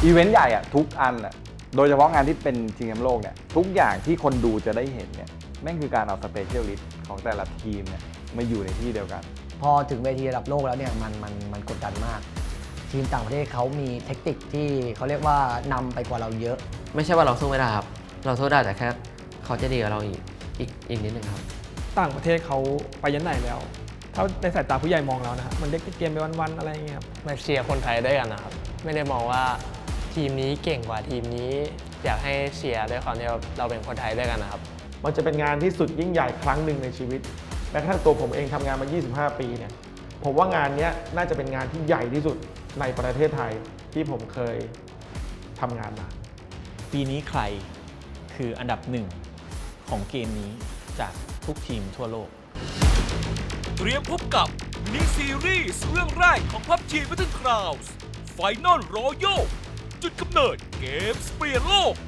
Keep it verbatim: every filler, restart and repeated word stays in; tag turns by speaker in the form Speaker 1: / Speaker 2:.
Speaker 1: อีเวนต์ใหญ่อะทุกอันอะโดยเฉพาะงานที่เป็นชิงแชมป์โลกเนี่ยทุกอย่างที่คนดูจะได้เห็นเนี่ยแม่งคือการเอาสเปเชียลิสต์ของแต่ละทีมเนี่ยมาอยู่ในที่เดียวกัน
Speaker 2: พอถึงเวทีระดับโลกแล้วเนี่ยมันมันมันกดดันมากทีมต่างประเทศเขามีเทคนิคที่เขาเรียกว่านำไปกว่าเราเยอะ
Speaker 3: ไม่ใช่ว่าเราสู้ไม่ได้ครับเราสู้ได้แต่แค่เขาจะดีกว่าเราอีกอีกอีกนิดนึงครับ
Speaker 4: ต่างประเทศเขาไปยันไหนแล้วถ้าในสายตาผู้ใหญ่มองแล้วนะครับมันเด็กเกมไปวันๆอะไรอย่างเงี้ยครับ
Speaker 5: มาเชียร์คนไทยด้วยกันนะครับไม่ได้มองว่าทีมนี้เก่งกว่าทีมนี้อยากให้เชียร์ด้วยความที่เราเป็นคนไทยด้วยกันนะครับ
Speaker 6: มันจะเป็นงานที่สุดยิ่งใหญ่ครั้งหนึ่งในชีวิตแม้กระทั่งตัวผมเองทำงานมายี่สิบห้าปีเนี่ยผมว่างานนี้น่าจะเป็นงานที่ใหญ่ที่สุดในประเทศไทยที่ผมเคยทำงานมา
Speaker 7: ปีนี้ใครคืออันดับหนึ่งของเกมนี้จากทุกทีมทั่วโลก
Speaker 8: เตรียมพบกับมินิซีรีส์เรื่องแรกของ พับจี Battleclouds Final Royale จุดกำเนิดเกมส์เปลี่ยนโลก